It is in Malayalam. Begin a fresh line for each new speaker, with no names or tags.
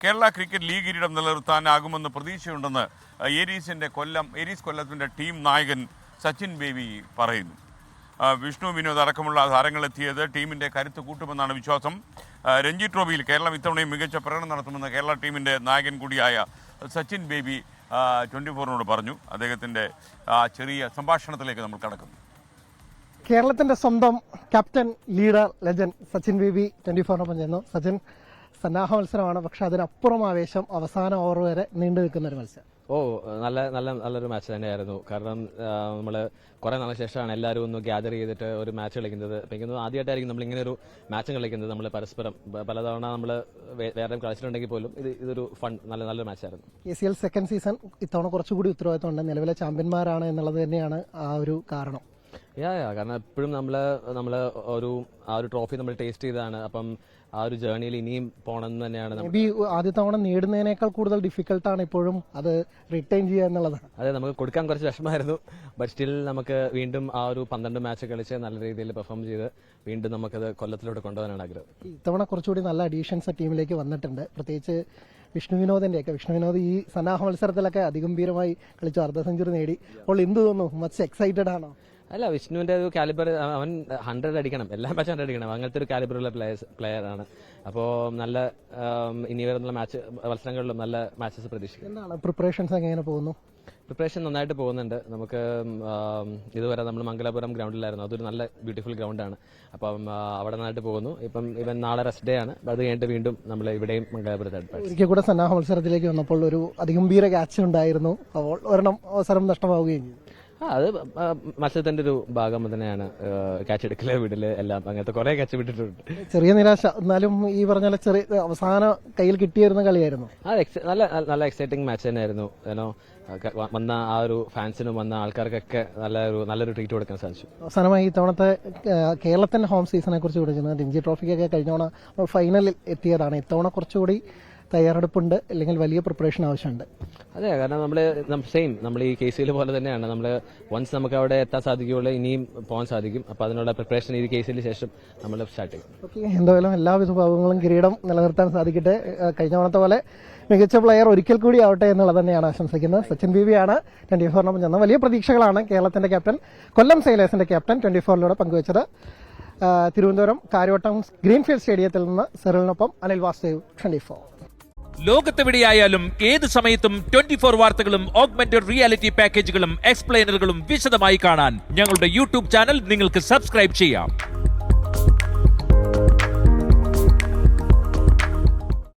കേരള ക്രിക്കറ്റ് ലീഗ് കിരീടം നിലനിർത്താനാകുമെന്ന് പ്രതീക്ഷയുണ്ടെന്ന് ഏരീസ് കൊല്ലത്തിൻ്റെ ടീം നായകൻ സച്ചിൻ ബേബി പറയുന്നു. വിഷ്ണു വിനോദ് അടക്കമുള്ള താരങ്ങളെത്തിയത് ടീമിൻ്റെ കരുത്ത് കൂട്ടുമെന്നാണ് വിശ്വാസം. രഞ്ജി ട്രോഫിയിൽ കേരളം ഇത്തവണയും മികച്ച പ്രകടനം നടത്തുമെന്ന് കേരള ടീമിൻ്റെ നായകൻ കൂടിയായ സച്ചിൻ ബേബി 24-നോട് പറഞ്ഞു. അദ്ദേഹത്തിൻ്റെ ചെറിയ സംഭാഷണത്തിലേക്ക് നമ്മൾ കടക്കുന്നു.
കേരളത്തിന്റെ സ്വന്തം captain, leader, legend Sachin Baby 24-നൊപ്പം ചെയ്യുന്നു. സച്ചിൻ, സന്നാഹ മത്സരമാണ്, പക്ഷെ അതിനപ്പുറം ആവേശം അവസാന ഓവർ വരെ നീണ്ടു നിൽക്കുന്ന ഒരു മത്സരം.
നല്ലൊരു മാച്ച് തന്നെയായിരുന്നു. കാരണം നമ്മൾ കുറെ നാളെ ശേഷമാണ് എല്ലാവരും ഒന്ന് ഗ്യാദർ ചെയ്തിട്ട് ഒരു മാച്ച് കളിക്കുന്നത്. എനിക്ക് ആദ്യമായിട്ടായിരിക്കും നമ്മൾ ഇങ്ങനെ ഒരു മാച്ച് കളിക്കുന്നത്. നമ്മൾ പരസ്പരം പലതവണ നമ്മൾ വേറെ കളിച്ചിട്ടുണ്ടെങ്കിൽ പോലും ഇതൊരു ഫൺ നല്ലൊരു മാച്ചായിരുന്നു.
KCL സെക്കൻഡ് സീസൺ ഇത്തവണ കുറച്ചുകൂടി ഉത്തരവാദിത്തമുണ്ട്. നിലവിലെ ചാമ്പ്യന്മാരാണ് എന്നുള്ളത് തന്നെയാണ് ആ ഒരു കാരണം.
കാരണം എപ്പോഴും നമ്മൾ ഒരു ട്രോഫി നമ്മൾ ടേസ്റ്റ് ചെയ്തതാണ്. അപ്പം ആ ഒരു ജേർണിയിൽ ഇനിയും പോകണമെന്ന് തന്നെയാണ്.
ആദ്യ തവണ നേടുന്നതിനേക്കാൾ കൂടുതൽ ഡിഫിക്കൽട്ടാണ് ഇപ്പോഴും അത് റിട്ടേൺ ചെയ്യുക എന്നുള്ളതാണ്.
അതെ, നമുക്ക് കൊടുക്കാൻ കുറച്ച് വിഷമമായിരുന്നു. ബട്ട് സ്റ്റിൽ നമുക്ക് വീണ്ടും ആ ഒരു 12 മാച്ച് കളിച്ച് നല്ല രീതിയിൽ പെർഫോം ചെയ്ത് വീണ്ടും നമുക്കത് കൊല്ലത്തിലോട്ട് കൊണ്ടുപോകാനാണ് ആഗ്രഹം.
ഇത്തവണ കുറച്ചുകൂടി നല്ല അഡീഷൻസ് ടീമിലേക്ക് വന്നിട്ടുണ്ട്. പ്രത്യേകിച്ച് വിഷ്ണു വിനോദ് ഈ സന്നാഹ മത്സരത്തിലൊക്കെ അതിഗംഭീരമായി കളിച്ചു, അർദ്ധ സെഞ്ചുറി നേടി. അപ്പോൾ എന്ത് തോന്നുന്നു? മച്ച് എക്സൈറ്റഡ് ആണോ?
അല്ല, വിഷ്ണുവിന്റെ ഒരു കാലിബർ, അവൻ 100 അടിക്കണം, എല്ലാ മാച്ചും 100 അടിക്കണം. അങ്ങനത്തെ ഒരു കാലിബറുള്ള പ്ലെയർ ആണ്. അപ്പോൾ നല്ല ഇനി വരുന്ന മത്സരങ്ങളിലും നല്ല മാച്ചസ് പ്രതീക്ഷിക്കും.
എന്താണ് പ്രിപ്പറേഷൻസ് എങ്ങനെ പോകുന്നു?
പ്രിപ്പറേഷൻ നന്നായിട്ട് പോകുന്നുണ്ട്. നമുക്ക് ഇതുവരെ നമ്മൾ മംഗലാപുരം ഗ്രൗണ്ടിലായിരുന്നു. അതൊരു നല്ല ബ്യൂട്ടിഫുൾ ഗ്രൗണ്ടാണ്. അപ്പം അവിടെ നന്നായിട്ട് പോകുന്നു. ഇവൻ നാളെ റെസ്റ്റ് ഡേ ആണ്. അത് കഴിഞ്ഞിട്ട് വീണ്ടും നമ്മൾ ഇവിടെയും മംഗലാപുരത്തായിട്ട്.
ഒരിക്കൽ കൂടെ സന്നാഹ മത്സരത്തിലേക്ക് വന്നപ്പോൾ ഒരു അതിഗംഭീര ക്യാച്ച് ഉണ്ടായിരുന്നു. അപ്പോൾ ഒരെണ്ണം അവസരം നഷ്ടമാവുകയും ചെയ്തു.
അത് മത്സരത്തിന്റെ ഒരു ഭാഗം തന്നെയാണ്. ക്യാച്ച് എടുക്കല്, വിടല്, എല്ലാം അങ്ങനത്തെ കുറെ ക്യാച്ച് വിട്ടിട്ടുണ്ട്.
ചെറിയ നിരാശ, എന്നാലും ഈ പറഞ്ഞ ചെറിയ അവസാന കയ്യിൽ കിട്ടിയിരുന്ന കളിയായിരുന്നു.
നല്ല എക്സൈറ്റിംഗ് മാച്ച് തന്നെയായിരുന്നു. വന്ന ആ ഒരു ഫാൻസിനും വന്ന ആൾക്കാർക്കൊക്കെ നല്ലൊരു ട്രീറ്റ് കൊടുക്കാൻ സാധിച്ചു.
അവസാനമായി ഇത്തവണത്തെ കേരളത്തിന്റെ ഹോം സീസണെ കുറിച്ച് വിളിക്കുന്നത് രഞ്ജി ട്രോഫിക്കൊക്കെ കഴിഞ്ഞ ഫൈനലിൽ എത്തിയതാണ്. ഇത്തവണ കുറച്ചുകൂടി തയ്യാറെടുപ്പുണ്ട്, അല്ലെങ്കിൽ വലിയ പ്രിപ്പറേഷൻ ആവശ്യമുണ്ട്.
അതെ, കാരണം നമ്മൾ ഈ KCL പോലെ തന്നെയാണ്. നമ്മൾ വൺസ് നമുക്ക് അവിടെ എത്താൻ സാധിക്കുകയുള്ളൂ, ഇനിയും പോകാൻ സാധിക്കും. അപ്പോൾ അതിനുള്ള പ്രിപ്പറേഷൻ ഈ KCL ശേഷം നമ്മൾ സ്റ്റാർട്ട് ചെയ്യും.
ഓക്കെ, എന്തായാലും എല്ലാ വിഭാഗങ്ങളും കിരീടം നിലനിർത്താൻ സാധിക്കട്ടെ. കഴിഞ്ഞ തവണത്തെ പോലെ മികച്ച പ്ലെയർ ഒരിക്കൽ കൂടി ആവട്ടെ എന്നുള്ളത് തന്നെയാണ് ആശംസിക്കുന്നത്. സച്ചിൻ ബേബിയാണ് 24-നൊപ്പം ചെന്ന വലിയ പ്രതീക്ഷകളാണ് കേരളത്തിന്റെ ക്യാപ്റ്റൻ, കൊല്ലം സെയിലേഴ്സിന്റെ ക്യാപ്റ്റൻ 24-ലൂടെ പങ്കുവച്ചത്. തിരുവനന്തപുരം കാര്യവട്ടം ഗ്രീൻഫീൽഡ് സ്റ്റേഡിയത്തിൽ നിന്ന് സെറിലിനൊപ്പം അനിൽ വാസുദേവ്, 24.
ലോകത്തെവിടെയായാലും ഏത് സമയത്തും 24 വാർത്തകളും ഓഗ്മെന്റഡ് റിയാലിറ്റി പാക്കേജുകളും എക്സ്പ്ലെയിനറുകളും വിശദമായി കാണാൻ ഞങ്ങളുടെ YouTube ചാനൽ നിങ്ങൾക്ക് സബ്സ്ക്രൈബ് ചെയ്യാം.